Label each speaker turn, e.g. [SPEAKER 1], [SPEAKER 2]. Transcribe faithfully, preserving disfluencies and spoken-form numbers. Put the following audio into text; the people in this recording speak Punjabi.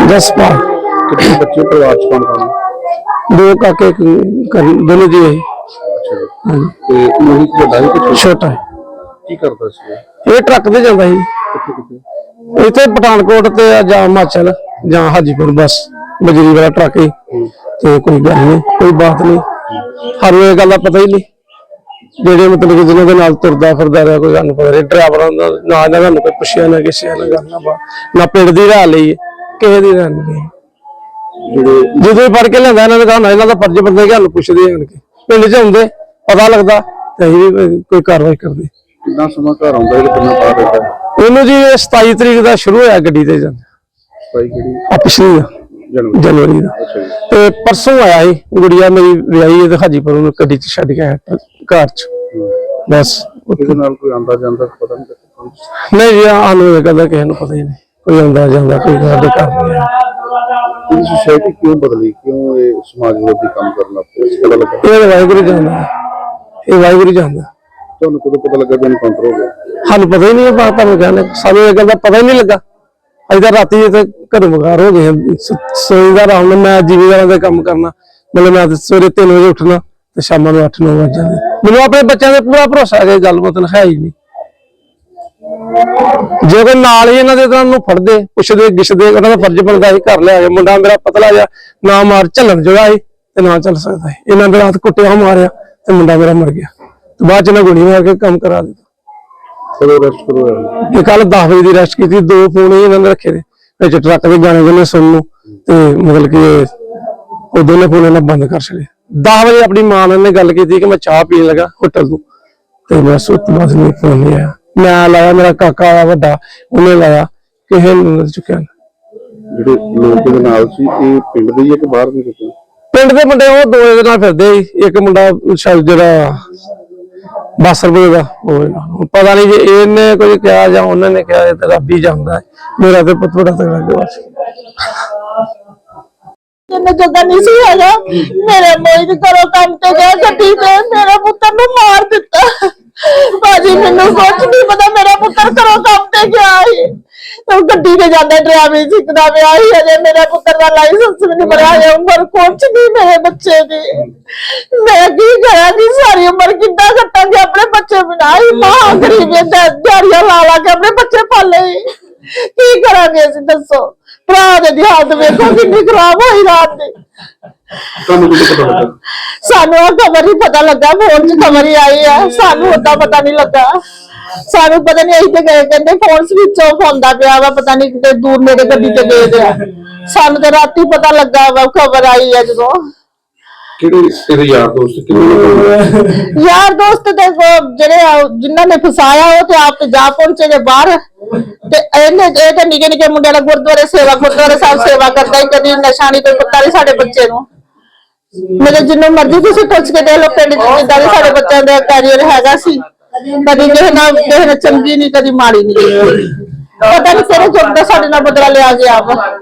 [SPEAKER 1] जसपाल।
[SPEAKER 2] कितने बच्चे परिवार च कौन कौन?
[SPEAKER 1] दो काके दोनों जी है।
[SPEAKER 2] अच्छा जी। ते मोहित वड्डा है कि
[SPEAKER 1] छोटा है।
[SPEAKER 2] की करदा सी?
[SPEAKER 1] ये ट्रक ते जांदा ਸੀ
[SPEAKER 2] कित्थे कित्थे?
[SPEAKER 1] इत्थे पठानकोट ते जां हिमाचल जां हाजीपुर बस बजरी वाला ट्रक ही ते कोई गल नहीं कोई बात नहीं सानू ये गल दा पता ही नहीं जेडे मतलब कि जिन्हां दे नाल तुरदा फिरदा रहा कोई सानू पता नहीं ड्राइवरां दा ना ना सानू कोई पुछया ना किसी ना गल ना बात ना पिंड दी राह लई किसे दी राह नहीं
[SPEAKER 2] जेडे
[SPEAKER 1] ਜਦੋਂ ਫੜ ਕੇ ਲਿਆਂਦਾ ਇਹਨਾਂ ਨੇ ਕਹਾ ਇਹਨਾਂ ਦਾ ਫਰਜ਼ ਬੰਦਾ ਕਿ ਸਾਨੂੰ ਪੁੱਛਦੇ ਆਣ ਕੇ ਪਿੰਡ 'ਚ ਹੁੰਦੇ ਪਤਾ ਲੱਗਦਾ ਤੇ ਅਸੀਂ ਵੀ ਕੋਈ ਕਾਰਵਾਈ ਕਰਦੇ।
[SPEAKER 2] ਕਿੰਨਾ ਸਮਾਂ ਘਰ ਆਉਂਦਾ ਇਹ ਕਿੰਨਾ ਬਾਹਰ ਰਹਿੰਦਾ?
[SPEAKER 1] ਇਹਨੂੰ ਜੀ ਸਤਾਈ ਤਰੀਕ ਦਾ ਸ਼ੁਰੂ ਹੋਇਆ ਗੱਡੀ ਤੇ ਜਾਂਦਾ
[SPEAKER 2] ਸਤਾਈ ਕਿਹੜੀ?
[SPEAKER 1] ਆ ਪਿਛਲੀ ਦਾ
[SPEAKER 2] ਜਨਵਰੀ
[SPEAKER 1] ਜਨਵਰੀ ਦਾ।
[SPEAKER 2] ਅੱਛਾ ਜੀ।
[SPEAKER 1] ਤੇ ਪਰਸੋਂ ਆਇਆ ਸੀ ਗੁੜੀਆ ਮੇਰੀ ਵਿਆਹੀ ਹੈ ਤੇ ਹਾਜੀਪੁਰ ਨੂੰ ਗੱਡੀ 'ਚ ਛੱਡ ਕੇ ਆਇਆ ਘਰ 'ਚ ਬਸ।
[SPEAKER 2] ਇਹਦੇ ਨਾਲ ਕੋਈ ਆਂਦਾ ਜਾਂਦਾ ਪਤਾ ਨਹੀਂ ਲੱਗਦਾ?
[SPEAKER 1] ਨਹੀਂ ਜੀ ਸਾਨੂੰ ਇਹ ਗੱਲ ਕਿਸੇ ਨੂੰ ਪਤਾ ਹੀ ਨਹੀਂ ਕੋਈ ਆਉਂਦਾ ਜਾਂਦਾ ਕੋਈ ਸਾਡੇ ਘਰ ਨਹੀਂ ਆਇਆ।
[SPEAKER 2] ਇਹ ਸੋਸਾਇਟੀ ਕਿਉਂ ਬਦਲੀ ਕਿਉਂ ਇਹ ਸਮਾਜ ਵਿਰੋਧੀ ਕੰਮ ਕਰਨ ਲੱਗ ਪਈ ਇਸ ਪਤਾ ਲੱਗਾ?
[SPEAKER 1] ਇਹ ਵਾਹਿਗੁਰੂ ਜਾਣਦਾ ਇਹ ਵਾਹਿਗੁਰੂ ਜਾਣਦਾ।
[SPEAKER 2] ਤੁਹਾਨੂੰ ਕਦੋਂ ਪਤਾ ਲੱਗਾ ਕਿ ਐਨਕਾਊਂਟਰ ਹੋ ਗਿਆ?
[SPEAKER 1] ਸਾਨੂੰ ਪਤਾ ਹੀ ਨਹੀਂ ਬਾਤ ਤੁਹਾਨੂੰ ਕਹਿੰਦੇ ਸਾਨੂੰ ਇਹ ਗੱਲ ਦਾ ਪਤਾ ਹੀ ਨਹੀਂ ਲੱਗਾ। ਅਜੇ ਤਾਂ ਰਾਤੀ ਤੇ ਘਰੋਂ ਬਗਾਰ ਹੋ ਗਏ ਸੋਈਦਾ ਆਰਾਮ ਨਾਲ ਮੈਂ ਜ਼ਿਮੀਂਦਾਰਾਂ ਦਾ ਕੰਮ ਕਰਨਾ ਮਤਲਬ ਮੈਂ ਸਵੇਰੇ ਤਿੰਨ ਵਜੇ ਉੱਠਣਾ ਤੇ ਸ਼ਾਮਾਂ ਨੂੰ ਅੱਠ ਨੌ ਵਜੇ ਜਾਂਦੇ ਮੈਨੂੰ ਆਪਣੇ ਬੱਚਿਆਂ ਤੇ ਪੂਰਾ ਭਰੋਸਾ ਹੈ ਗੱਲਬਾਤ ਹੈ ਹੀ ਨਹੀਂ। ਜੇ ਕੋਈ ਨਾਲ ਹੀ ਇਹਨਾਂ ਦੇ ਤਾਂ ਨੂੰ ਫੜਦੇ ਪੁੱਛਦੇ ਗਿੱਛਦੇ ਉਹਨਾਂ ਦਾ ਫਰਜ਼ ਬਣਦਾ ਸੀ ਘਰ ਲਿਆ ਕੇ ਮੁੰਡਾ ਮੇਰਾ ਪਤਲਾ ਜਿਹਾ ਨਾ ਮਾਰ ਝੱਲਣ ਜੋਗਾ ਸੀ ਤੇ ਨਾ ਚੱਲ ਸਕਦਾ ਸੀ ਇਹਨਾਂ ਦੇ ਰਾਤ ਕੁੱਟਿਆ ਮਾਰਿਆ ਤੇ ਮੁੰਡਾ ਮੇਰਾ ਮਰ ਗਿਆ ਤੇ ਬਾਅਦ ਚ ਇਹਨਾਂ ਗੋਲੀ ਮਾਰ ਕੇ ਕੰਮ ਕਰਾ ਦਿੱਤਾ।
[SPEAKER 2] ਕਦੋਂ ਅਰੈਸਟ ਕਰਵਾਇਆ?
[SPEAKER 1] ਇਹ ਕੱਲ ਦਸ ਵਜੇ ਦੀ ਅਰੈਸਟ ਕੀਤੀ ਦੋ ਫੋਨ ਹੀ ਇਹਨਾਂ ਨੇ ਰੱਖੇ ਨੇ ਵਿੱਚ ਟਰੱਕ ਦੇ ਗਾਣੇ ਗਾਣੇ ਸੁਣਨ ਨੂੰ ਤੇ ਮਤਲਬ ਕਿ ਉਹ ਦੋਨੇ ਫੋਨ ਇਹਨਾਂ ਬੰਦ ਕਰ ਛੱਡੇ। ਦਸ ਵਜੇ ਆਪਣੀ ਮਾਂ ਨਾਲ ਨੇ ਗੱਲ ਕੀਤੀ ਕਿ ਮੈਂ ਚਾਹ ਪੀਣ ਲੱਗਾ ਹੋਟਲ ਤੋਂ ਤੇ ਮੈਂ ਸੁੱਤ ਬਾਅਦ ਨਹੀਂ ਫੋਨ ਨਹੀਂ ਆਇਆ ਮੈਂ ਲਾਇਆ ਮੇਰਾ ਕਾਕਾ ਆਇਆ ਵੱਡਾ ਉਹਨੇ ਲਾਇਆ ਕਿਸੇ ਨੂੰ ਚੁੱਕਿਆ।
[SPEAKER 2] ਜਿਹੜੇ ਲੋਕ ਇਹਦੇ ਨਾਲ ਸੀ ਇਹ ਪਿੰਡ ਦੇ ਹੀ ਆ ਕਿ ਬਾਹਰ ਦੇ ਕਿਤੇ?
[SPEAKER 1] ਪਿੰਡ ਦੇ ਮੁੰਡੇ ਉਹ ਦੋ ਦੇ ਨਾਲ ਫਿਰਦੇ ਇੱਕ ਮੁੰਡਾ ਸ਼ਾਇਦ ਜਿਹੜਾ ਬਾਸਰਪੁਰ ਦਾ ਉਹ ਪਤਾ ਨਹੀਂ ਜੇ ਇਹਨੇ ਕੁਝ ਕਿਹਾ ਜਾਂ ਉਹਨਾਂ ਨੇ ਕਿਹਾ ਇਹ ਤਾਂ ਰੱਬ ਹੀ ਜਾਣਦਾ ਮੇਰਾ ਤੇ ਪੁੱਤ ਬੜਾ ਤਗੜਾ ਗਿਆ ਬਸ।
[SPEAKER 3] ਜਿੰਨੇ ਜੱਗਾ ਨਹੀਂ ਸੀ ਹੈਗਾ ਮੇਰੇ ਮੋਈ ਦੇ ਘਰੋਂ ਕੰਮ ਤੇ ਗਿਆ ਗੱਡੀ ਤੇ ਮੇਰਾ ਪੁੱਤਰ ਨੂੰ ਮਾਰ ਦਿੱਤਾ। ਭਾਜੀ ਮੈਨੂੰ ਕੁਝ ਨਹੀਂ ਪਤਾ ਮੇਰਾ ਪੁੱਤਰ ਘਰੋਂ ਕੰਮ ਤੇ ਗਿਆ ਸੀ ਉਹ ਗੱਡੀ ਤੇ ਜਾਂਦਾ ਡਰਾਈਵਿੰਗ ਸਿੱਖਦਾ ਪਿਆ ਸੀ ਅਜੇ ਮੇਰੇ ਪੁੱਤਰ ਦਾ ਲਾਇਸੈਂਸ ਵੀ ਨਹੀਂ ਬਣਿਆ ਹੈ ਉਮਰ ਕੁਝ ਨਹੀਂ ਮੇਰੇ ਬੱਚੇ ਦੀ ਮੈਂ ਕੀ ਕਰਾਂਗੀ ਸਾਰੀ ਉਮਰ ਕਿੱਦਾਂ ਕੱਟਾਂਗੇ ਆਪਣੇ ਬੱਚੇ ਬਿਨਾਂ ਹੀ ਮਾਂ ਗਰੀਬ ਦਿਹਾੜੀਆਂ ਲਾ ਲਾ ਕੇ ਆਪਣੇ ਬੱਚੇ ਪਾਲੇ ਕੀ ਕਰਾਂਗੇ ਅਸੀਂ ਦੱਸੋ। ਭਰਾ ਦੇ ਹਾਲਤ ਵੇਖੋ ਕਿੰਨੀ ਖਰਾਬ ਹੋਈ ਰਾਤ ਦੀ।
[SPEAKER 2] ਤੁਹਾਨੂੰ ਕਿਹਨੂੰ ਪਤਾ ਲੱਗਾ?
[SPEAKER 3] ਸਾਨੂੰ ਆ ਖਬਰ ਹੀ ਪਤਾ ਲੱਗਾ ਫੋਨ 'ਚ ਖਬਰ ਹੀ ਆਈ ਆ ਸਾਨੂੰ ਉਦਾਂ ਪਤਾ ਨਹੀਂ ਲੱਗਾ ਸਾਨੂੰ ਪਤਾ ਨਹੀਂ ਅਸੀਂ ਤੇ ਗਏ ਕਹਿੰਦੇ ਫੋਨ ਸਵਿਚ ਆਫ ਹੁੰਦਾ ਪਿਆ ਵਾ ਪਤਾ ਨਹੀਂ ਕਿਤੇ ਦੂਰ ਨੇੜੇ ਗੱਡੀ ਤੇ ਗਏ ਦੇ ਆ ਸਾਨੂੰ ਤੇ ਰਾਤੀ ਪਤਾ ਲੱਗਾ ਵਾ ਖਬਰ ਆਈ ਆ ਜਦੋਂ।
[SPEAKER 2] ਕਿਹੜੇ ਤੇਰੇ ਯਾਰ ਦੋਸਤ ਕਿਹੜੇ
[SPEAKER 3] ਯਾਰ ਦੋਸਤ ਤੇ ਜਿਹੜੇ ਜਿਨ੍ਹਾਂ ਨੇ ਫਸਾਇਆ ਉਹ ਤੇ ਆਪ ਤੇ ਜਾ ਪਹੁੰਚੇ ਨੇ ਬਾਹਰ ਤੇ ਇਹਨੇ ਇਹ ਤੇ ਨਿੱਕੇ ਨਿੱਕੇ ਮੁੰਡਿਆਂ ਦਾ ਗੁਰਦੁਆਰੇ ਸੇਵਾ ਗੁਰਦੁਆਰੇ ਸਾਹਿਬ ਸੇਵਾ ਕਰਦਾ ਹੀ ਕਦੀ ਨਸ਼ਾ ਨਹੀਂ ਕੋਈ ਪਤਾ ਨਹੀਂ ਸਾਡੇ ਬੱਚੇ ਨੂੰ ਮੇਰੇ ਜਿੰਨੂੰ ਮਰਜ਼ੀ ਤੁਸੀਂ ਪੁੱਛ ਕੇ ਦੇਖ ਲਓ ਪਿੰਡ ਚ ਜਿੱਦਾਂ ਦੇ ਸਾਡੇ ਬੱਚਿਆਂ ਦਾ ਕੈਰੀਅਰ ਹੈਗਾ ਸੀ ਕਦੀ ਕਿਸੇ ਨਾਲ ਕਿਸੇ ਨਾਲ ਚੰਗੀ ਨਹੀਂ ਕਦੀ ਮਾੜੀ ਨਹੀਂ ਪਤਾ ਨਹੀਂ ਕਿਹੜੇ ਚੁੱਪ ਦਾ ਸਾਡੇ ਨਾਲ ਬਦਲਾ ਲਿਆ ਗਿਆ ਵਾ।